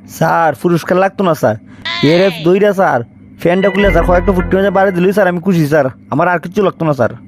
Sir পুরস্কার লাগতো না স্যার, এর দইরা স্যার ফ্যানটা খুলে স্যার কয়েকটা ফুটকি মাঝে বাড়ি দিলই স্যার আমি খুশি স্যার, আমার আর কিছু লাগতো না স্যার।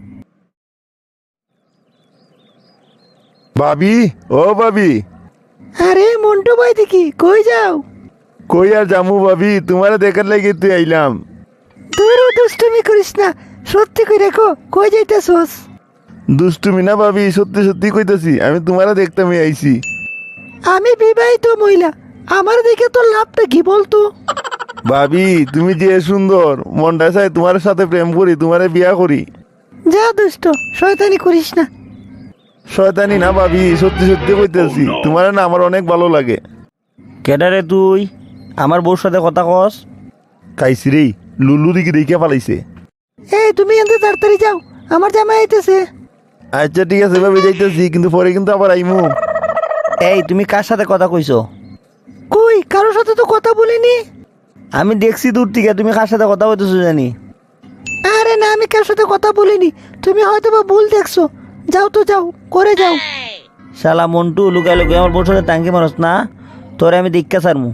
ভাবি, ও ভাবি। আরে মন্টু ভাই দেখি কই যাও? কই আর জামু ভাবি, তোমারে দেখার লাগি তুই আইলাম। তোরও দুষ্টুমি করিস না, সত্যি করে রেখো কই যাইতেছস? দুষ্টুমি না ভাবি, সত্যি সত্যি কইতাছি, আমি তোমারে দেখতামই আইছি। আমি বিবাহিত মহিলা, আমার দেখে তোর লাভটা কি বলতো? ভাবি তুমি যে সুন্দর, মনটা চাই তোমার সাথে প্রেম করি, তোমারে বিয়া করি। যা দুষ্ট, শয়তানি করিস না। শয়তানি না ভাবি, সত্যি সত্যি কইতেছি, তোমার না আমার অনেক ভালো লাগে। কেডারে তুই আমার বউর সাথে কথা কস? খাইছি রে, লুলু দিকে দেখে পালাইছে। এই তুমি এনতে তাড়াতাড়ি যাও, আমার জামাই আইতেছে। আচ্ছা ঠিক আছে ভাবি, যাইতেছি, কিন্তু পরে কিন্তু আবার আইমু। এই তুমি কার সাথে কথা কইছো? কই কারোর সাথে তো কথা বলিনি। আমি দেখছি দূর থেকে তুমি কার সাথে কথা বলতেছো জানি। আরে না, আমি কার সাথে কথা বলিনি, তুমি হয়তো বা ভুল দেখছো। যাও তো যাও, করে যাও। শালা মন্টু, লুকাই লুকাই আমার বউর সাথে টাঙ্কি মারস না, তোরে আমি দীক্ষা সারমু।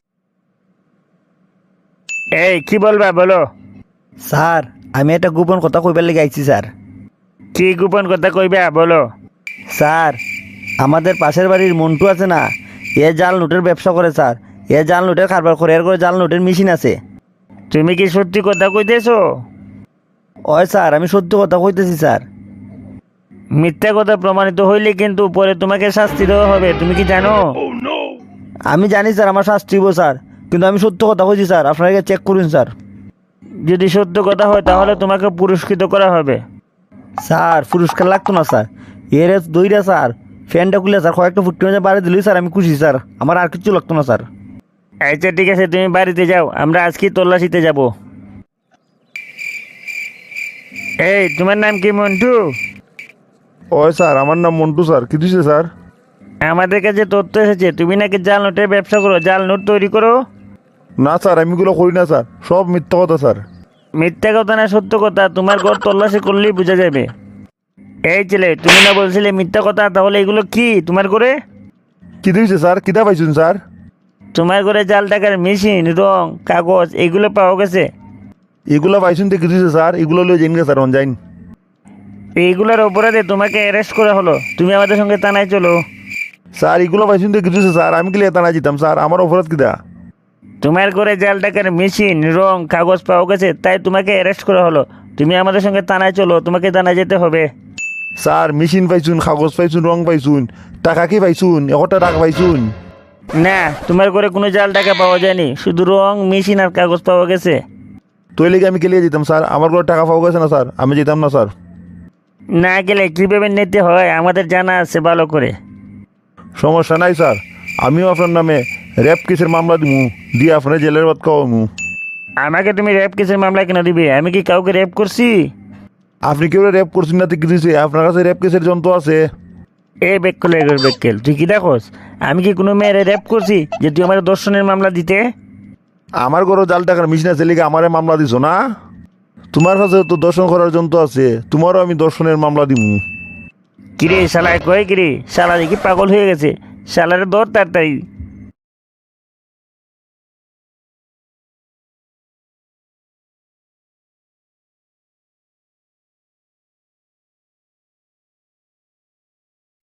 এই কি বলবা বলো। স্যার আমি একটা গোপন কথা কইবার লেগে আইছি স্যার। কি গোপন কথা কইবা বলো। স্যার আমাদের পাশের বাড়ির মন্টু আছে না, এ জাল নোটের ব্যবসা করে স্যার, এ জাল নোটের কারবার করে, এর করে জাল নোটের মেশিন আছে। তুমি কি সত্যি কথা কইতেছো? ওই স্যার আমি সত্যি কথা কইতেছি স্যার। মিথ্যা কথা প্রমাণিত হইলে কিন্তু পরে তোমাকে শাস্তি দেওয়া হবে, তুমি কি জানো? আমি জানি স্যার আমার শাস্তি হইব স্যার, কিন্তু আমি সত্য কথা কইছি স্যার, আপনাকে চেক করুন স্যার। যদি সত্য কথা হয় তাহলে তোমাকে পুরস্কৃত করা হবে। স্যার পুরস্কার লাগতো না স্যার, এর দইরা স্যার ফ্যানটা খুলে স্যার কয়েকটা ফুটকি মাঝে বাড়ি দিলই স্যার আমি খুশি স্যার, আমার আর কিছু লাগতো না স্যার। আচ্ছা ঠিক আছে, তুমি বাড়িতে যাও, আমরা আজকে তল্লাশিতে যাব। এই তোমার নাম কি মন্টু? ওই স্যার, আমার নাম মন্টু স্যার। কি দিছে স্যার? আমাদের কাছে তথ্য এসেছে তুমি নাকি জাল নোটের ব্যবসা করো, জাল নোট তৈরি করো। না স্যার, আমি এগুলো করি না স্যার, সব মিথ্যা কথা স্যার। মিথ্যা কথা না সত্য কথা, তোমার ঘর তল্লাশি করলেই বোঝা যাবে। এই ছেলে, তুমি না বলছিলে মিথ্যা কথা, তাহলে এগুলো কি তোমার ঘরে? কি দিয়েছে স্যার? কিতা পাইছুন স্যার? তোমার ঘরে জাল টাকার মেশিন, রং, কাগজ এগুলো পাওয়া গেছে। এগুলো পাইছুন তো কি দিয়েছে স্যার? এগুলো লয়ে যাইন গে স্যার, অনজাইন। এইগুলোর অপরাধে তোমাকে অ্যারেস্ট করা হলো, তুমি আমাদের সঙ্গে থানায় চলো। স্যার এগুলো পাইছুন তো কি দিয়েছে স্যার? আমি কি লেতা না যেতাম স্যার? আমার অপরাধ কিতা? তোমার ঘরে জাল টাকার মেশিন, রং, কাগজ পাওয়া গেছে, তাই তোমাকে অ্যারেস্ট করা হলো। তুমি আমাদের সঙ্গে থানায় চলো, তোমাকে থানায় যেতে হবে। স্যার মেশিন পাইছুন, কাগজ পাইছুন, রং পাইছুন, টাকা কি পাইছুন? 1 টাকা পাইছুন? না, তোমার ঘরে কোনো জাল টাকা পাওয়া যায়নি, শুধু রং, মেশিন আর কাগজ পাওয়া গেছে। তো লেগে আমি কেলিয়ে যেতাম স্যার, আমার ঘরে টাকা পাওয়া গেছে না স্যার, আমি যেতাম না স্যার। না গেলে কীভাবে নিতে হয় আমাদের জানা আছে ভালো করে। সমস্যা নাই স্যার, আমিও আপনার নামে র্যাপ কেসের মামলা দিমু, দিয়ে আপনার জেলের বাদ খাওয়ামু। আমাকে তুমি র্যাপ কেসের মামলা কেন দিবে? আমি কি কাউকে র্যাপ করছি? আপনি কেউ র্যাপ করছেন না তো কি দিয়েছে? আপনার কাছে র্যাপ কেসের যন্ত্র আছে? এ বেক্কল এগোর বেক্কেল, তুই কি দেখোস? আমি কি কোনো মেয়েরে র্যাপ করছি যে তুই আমার দর্শনের মামলা দিতে? আমার ঘরও জাল টাকার মেশিন আছে লিগে আমারে মামলা দিছো না? তোমার কাছে তো দর্শন করার যন্ত্র আছে, তোমারও আমি দর্শনের মামলা দিমু। কিরে শালায় কয় কিরে, শালা দেখি পাগল হয়ে গেছে, শালারে দর তাড়াতাড়ি।